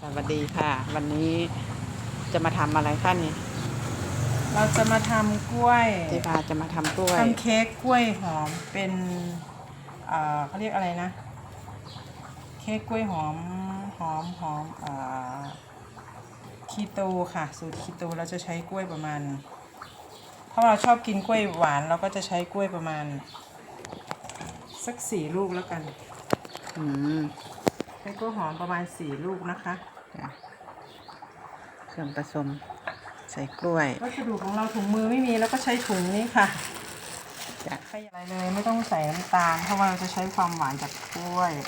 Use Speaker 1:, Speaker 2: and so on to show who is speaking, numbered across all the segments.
Speaker 1: วัสดีค่ะวันนี้จะมาทำอะไรคะนี่
Speaker 2: เราจะมาทำกล้วย
Speaker 1: เจ๊พาจะมาทำกล้วย
Speaker 2: ทำเค้กกล้วยหอมเป็นเขาเรียกอะไรนะเค้กกล้วยหอมคีโตค่ะสูตรคีโตเราจะใช้กล้วยประมาณถ้าเราชอบกินกล้วยหวานเราก็จะใช้กล้วยประมาณสัก4 ลูกแล้วกัน
Speaker 1: อืม
Speaker 2: ใช้กล้วยหอมประมาณ4 ลูกนะคะ
Speaker 1: เครื่องผสมใส่กล้วย
Speaker 2: วัสดุของเราถุงมือไม่มีแล้วก็ใช้ถุงนี้ค่ะ
Speaker 1: จะ
Speaker 2: ใส่อะไรเลยไม่ต้องใส่น้ำตาลเพราะว่าเราจะใช้ความหวานจากกล้วย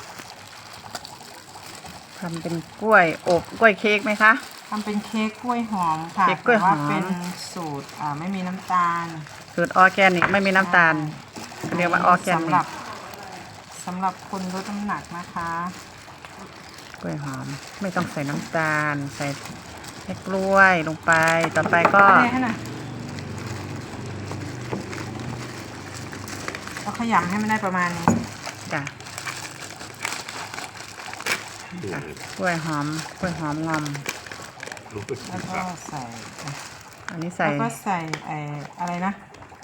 Speaker 1: ทำเป็นกล้วยอบกล้วยเค้กไหมคะ
Speaker 2: ทำเป็นเค้กกล้วยหอมค่ะ
Speaker 1: เค้กกล้วยหอม
Speaker 2: แต่ว่าเป็นสูตรไม่มีน้ำตาล
Speaker 1: สูตรออร์แกนิกไม่มีน้ำตาลเรียกว่าออร์แกนิก
Speaker 2: สำหรับคนลดน้ำหนักนะคะ
Speaker 1: กล้วยหอมไม่ต้องใส่น้ำตาลใส่แค่กล้วยลงไปต่อไปก็
Speaker 2: เราขยำให้มันได้ประมาณนี้
Speaker 1: จ้ะกล้วยหอมงอม
Speaker 2: แล้วก็ใส่
Speaker 1: อันนี้ใส่
Speaker 2: แล้วก็ใส่อะไรนะ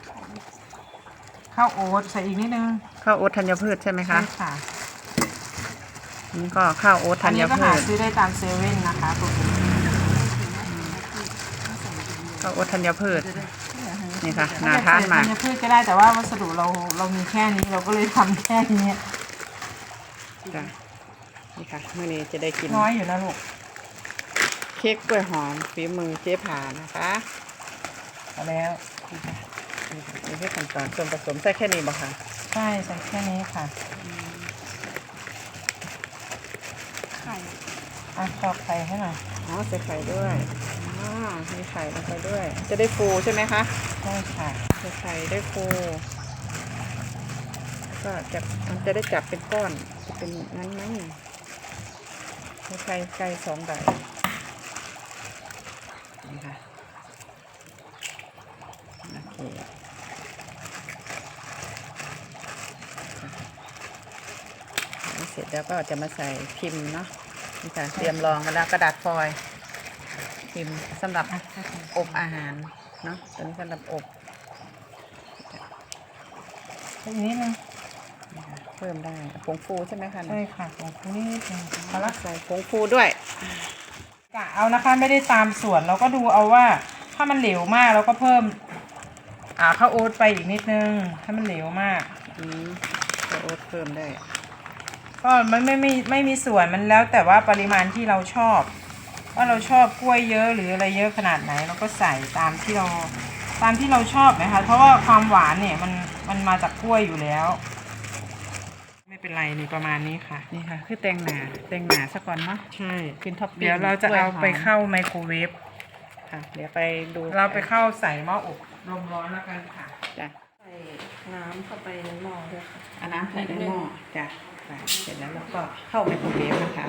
Speaker 2: ข้าวโอ๊ตใส่อีกนิดนึง
Speaker 1: ข้าวโอ๊ตธัญพืชใช่ไหมคะ
Speaker 2: ใช่ค่ะ
Speaker 1: นี่ก็ข้าวโอ๊ตธัญพืชอันนี้ก็
Speaker 2: หาซื้อได้ตามเซเว่นนะคะพวกนี้
Speaker 1: ข้าวโอ๊ตธัญพืชนี่ค่ะน่าทานมาก
Speaker 2: ธัญพืชก็ได้แต่ว่าวัสดุเรามีแค่นี้เราก็เลยทำแค่นี้
Speaker 1: จ้ะนี่ค่ะเมื่อนี้จะได้กิน
Speaker 2: น้อยอยู่นะลูก
Speaker 1: เค้กกล้วยหอมฝีมือเจ๊ผานะคะ
Speaker 2: เอาแล้ว
Speaker 1: นี่คือขั้นตอนส่วนผสมใส่แค่นี้บ่คะ
Speaker 2: ใช่ใส่แค่นี้ค่ะไข่ตอกไข่ให้หน่อย
Speaker 1: อ๋อใส่ไข่ด้วยอ๋อมีไข่ลงไปด้วยจะได้ฟูใช่ไหมคะ
Speaker 2: ใช่ค่ะ
Speaker 1: ใส่ไข่ได้ฟูก็มันจะได้จับเป็นก้อนจะเป็นงั้นไหมใส่ไก่2 ใบนี่ค่ะโอเคเสร็จแล้วก็จะมาใส่พิมพ์เนาะนี่ค่ะเตรียมรองกันแล้วกระดาษฟอยล์พิมพ์สำหรับอบอาหารเนาะตัวนี้สำหรับอบ
Speaker 2: อีกนิดนึง
Speaker 1: เพิ่มได้ผงฟูใช่ไหมคะ
Speaker 2: ใช่ค่ะผงฟูนิดนึง
Speaker 1: เอาละใส่ผงฟูด้วย
Speaker 2: กะเอานะคะไม่ได้ตามส่วนเราก็ดูเอาว่าถ้ามันเหลวมากเราก็เพิ่มข้าวโอ๊ตไปอีกนิดนึงถ้ามันเหลวมาก
Speaker 1: ข้าวโอ๊ตเพิ่มได้
Speaker 2: ก็มันไม่มีส่วนมันแล้วแต่ว่าปริมาณที่เราชอบว่าเราชอบกล้วยเยอะหรืออะไรเยอะขนาดไหนเราก็ใส่ตามที่เราชอบนะคะเพราะว่าความหวานเนี่ยมันมาจากกล้วยอยู่แล้วไม่เป็นไรนี่ประมาณนี้ค่ะ
Speaker 1: นี่ค่ะคือแตงหนาสักก่อนเนาะ
Speaker 2: ใช่
Speaker 1: กินท็อปปิ้ง
Speaker 2: เดี๋ยวเราจะเอาไปเข้าไมโครเวฟ
Speaker 1: ค่ะเดี๋ยวไปดู
Speaker 2: เราไปเข้าใส่หม้ออบลมร้อนแล้วกันค่ะ
Speaker 1: จ้ะ
Speaker 2: ใส่น้ำเข้าไปในหม้อด้วยค่ะ
Speaker 1: เอาน้ำใส่ในหม้อจ้ะเสร็จแล้วเราก็เข้าไมโครเวฟนะคะ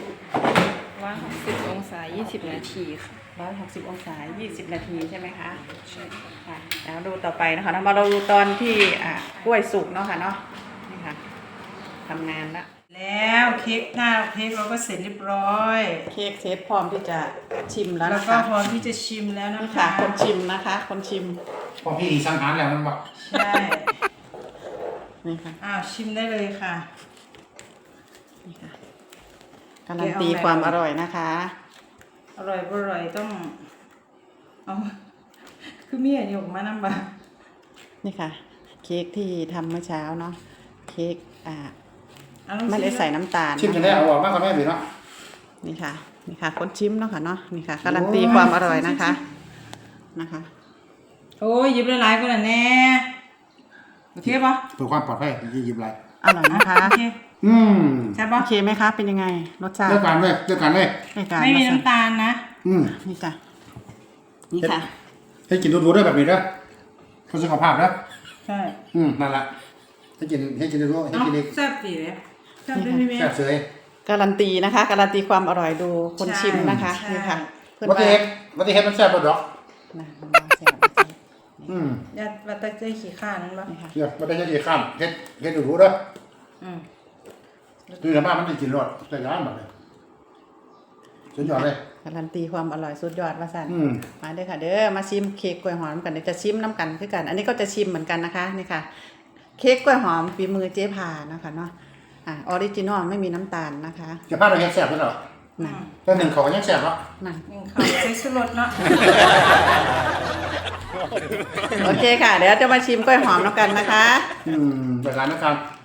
Speaker 2: 160 องศา20 นาทีค่ะ
Speaker 1: 160 องศา20 นาทีใช่ไหมคะใช่ค่ะแล้วดูต่อไปนะคะเรามาดูตอนที่กล้วยสุกเนาะค่ะเนาะนี่ค่ะทำงาน
Speaker 2: แล้วเค้กเราก็เสร็จเรียบร้อย
Speaker 1: เค้กเซตพร้อมที่จะชิมแล้วนะคะ
Speaker 2: แล้วก็พร้อมที่จะชิมแล้วนะคะ
Speaker 1: คนชิมนะคะคนชิม
Speaker 3: พอพี่สังหารแล้วมันบอก
Speaker 2: ใช่
Speaker 1: นี่ค่ะ
Speaker 2: ชิมได้เลยค่ะ
Speaker 1: นี่ค่ะการันตีความอร่อยนะคะ
Speaker 2: อร่อยต้องเอาคือมีอันนี้ออกมานำบ่
Speaker 1: นี่ค่ะเค้กที่ทำเมื่อเช้าเนาะเค้กไม่ได้ใส่น้ำตาล
Speaker 3: ชิมจะได้เอาออกมากกว่าแม่บีเนาะ
Speaker 1: นี่ค่ะคนชิมเนาะค่ะเนาะนี่ค่ะการันตีความอร่อยนะคะ
Speaker 2: โอ้ยยิบหลายๆคนแน่โอเคปะ
Speaker 3: เพื่อความปลอดภัยยิบไร
Speaker 1: อร่อยนะคะ
Speaker 2: โอเค
Speaker 1: ใช่ปะโอเคไหมคะเป็นยังไงรสชาติ
Speaker 3: เลือกกันเลย
Speaker 2: ไม่มีน้ำตาลนะ
Speaker 1: นี่จ้ะนี่ค่ะ
Speaker 3: ให้กินดูๆด้วยแบบนี้นะเพื่อสุขภาพนะ
Speaker 2: ใช่
Speaker 3: นั่นแหละให้กินดูให้กินอีก
Speaker 2: แซ่บดีเลยแซ่บด้วยพี่เมย์
Speaker 3: แซ่บเสย
Speaker 1: การันตีนะคะการันตีความอร่อยดูคนชิมนะคะนี่ค่ะ
Speaker 3: วัตถุเฮ็ดมันแซ่บปะดอก
Speaker 2: อย่าวัตถุใจขี้ข้านั่นปะ
Speaker 3: เดี๋ยววัตถุใจขี้ข้ามเฮ็ดดูๆเด้อดูแต่บ้านมันได้กินรสแต่ร้านแบบนี้สุดยอดเลย
Speaker 1: การันตีความอร่อยสุดยอดว่าสั่น
Speaker 3: อืม
Speaker 1: มาเด้อค่ะเด้อมาชิมเค้กกล้วยหอมกันเดี๋ยวจะชิมน้ำกันคือกัน อันนี้ก็จะชิมเหมือนกันนะคะนี่ค่ะ เค้กกล้วยหอมฝีมือเจ๊พานะคะเนาะออริจินอลไม่มีน้ำตาลนะคะ
Speaker 3: จะพลาดอะไรแซ่บๆด้วยเหรอ
Speaker 1: นั่น
Speaker 3: แต่หนึ่งเขาก็ยังแซ่บเนาะ
Speaker 1: นั่น
Speaker 2: ยังเขาใช้ชูรสเนาะ
Speaker 1: โอเคค่ะ เดี๋ยวจะมาชิมกล้วยหอมแล้วกันนะคะ
Speaker 3: ไปร้านนะครับ